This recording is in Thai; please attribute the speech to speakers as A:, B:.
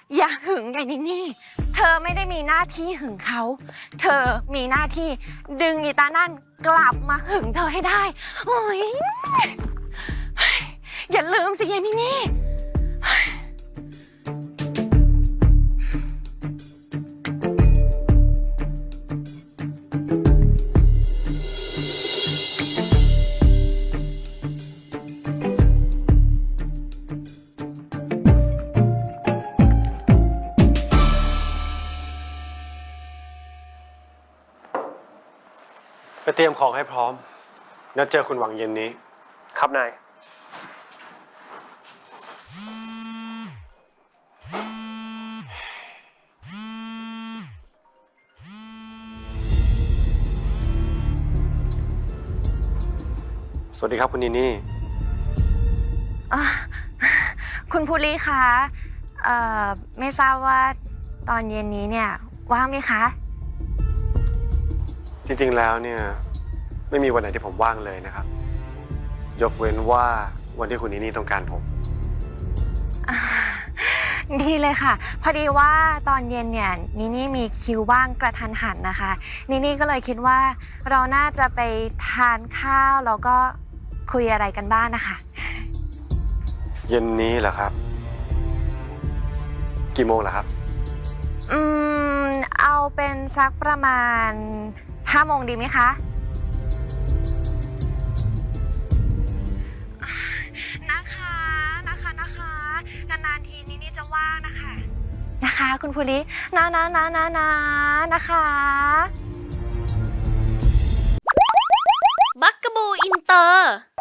A: อย่าหึงไงนี่เธอไม่ได้มีหน้าที่หึงเขา เธอมีหน้าที่ดึงอีตานั่นกลับมาหึงเธอให้ได้โอ้ยอย่าลืมสิยายนี่
B: ไปเตรียมของให้พร้อมนัดเจอคุณหวังเย็นนี้
C: ครับนาย
B: สวัสดีครับคุณนีนี่
A: คุณภูริคะไม่ทราบว่าตอนเย็นนี้เนี่ยว่างไหมคะ
B: จริงๆแล้วเนี่ยไม่มีวันไหนที่ผมว่างเลยนะครับ ยกเว้นว่าวันที่คุณนีนี่ต้องการผม
A: ดีเลยค่ะ พอดีว่าตอนเย็นเนี่ยนี่มีคิวว่างกระทันหันนะคะนี่ก็เลยคิดว่าเราน่าจะไปทานข้าวแล้วก็คุยอะไรกันบ้างนะคะ
B: เย็นนี้เหรอครับ กี่โมงเหรอครับ
A: เอาเป็นสักประมาณ5 โมงดีไหมคะนะคะนานๆทีนี่จะว่างนะคะคุณภูรินะคะ
D: บักกะบูอินเตอร์